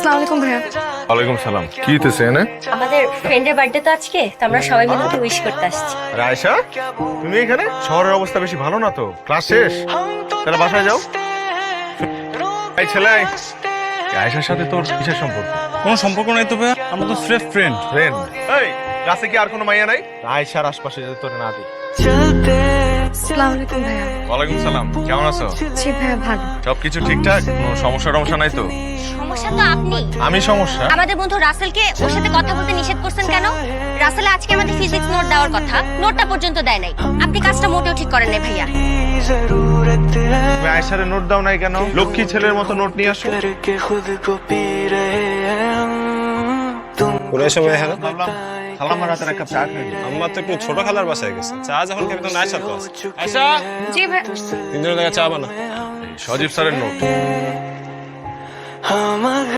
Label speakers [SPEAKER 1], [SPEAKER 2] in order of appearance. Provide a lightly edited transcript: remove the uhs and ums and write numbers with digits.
[SPEAKER 1] আসসালামু আলাইকুম ভাইয়া।
[SPEAKER 2] ওয়ালাইকুম সালাম। কি হইতেছে এনে?
[SPEAKER 3] আমাদের ফ্রেন্ডের বার্থডে তো আজকে, তো আমরা সবাই মিলে ওকে উইশ করতে আসছি।
[SPEAKER 2] রায়শা, তুমি এখানে? শহরের অবস্থা বেশি ভালো না তো। ক্লাস শেষ, তাহলে বাসায় যাও। এই ছেলে, রায়শার সাথে তোর কিসের সম্পর্ক?
[SPEAKER 4] কোনো সম্পর্ক নাই তো ভাইয়া, আমরা তো স্রেফ ফ্রেন্ড।
[SPEAKER 2] ফ্রেন্ড? এই ক্লাসে কি আর কোনো মাইয়া নাই? রায়শার আশপাশে যাতে তোর না দিই।
[SPEAKER 1] আসসালামু আলাইকুম ভাইয়া।
[SPEAKER 2] ওয়ালাইকুম সালাম। কেমন আছো?
[SPEAKER 1] জি ভাইয়া ভালো।
[SPEAKER 2] সবকিছু ঠিকঠাক? কোনো সমস্যা নাই তো?
[SPEAKER 3] সমস্যা তো আপনি।
[SPEAKER 2] আমি সমস্যা?
[SPEAKER 3] আমাদের বন্ধু রাসেলকে ওর সাথে কথা বলতে নিষেধ করছেন কেন? রাসেল আজকে আমাদের ফিজিক্স নোট দেওয়ার কথা, নোটটা পর্যন্ত দেয় নাই। আপনি কাজটা মোটেও ঠিক করেন নাই ভাইয়া।
[SPEAKER 2] তুমি আয়সারে নোট দাও নাই কেন? লক্ষ্মী ছেলের মতো নোট নিয়ে আসো।
[SPEAKER 4] পুরো সময় হ্যাঁ
[SPEAKER 2] ভাবলাম খালাম্মার হাতের এক কাপ চা খাই।
[SPEAKER 4] আম্মা তো একটু ছোট খালার বাসায় গেছে, চা যখন খেতে তো আয়সা তো আছে। আয়সা,
[SPEAKER 1] জি ভাইয়া।
[SPEAKER 4] তিনজনের জায়গায় চা বানা।
[SPEAKER 2] সজীব স্যারের নোট।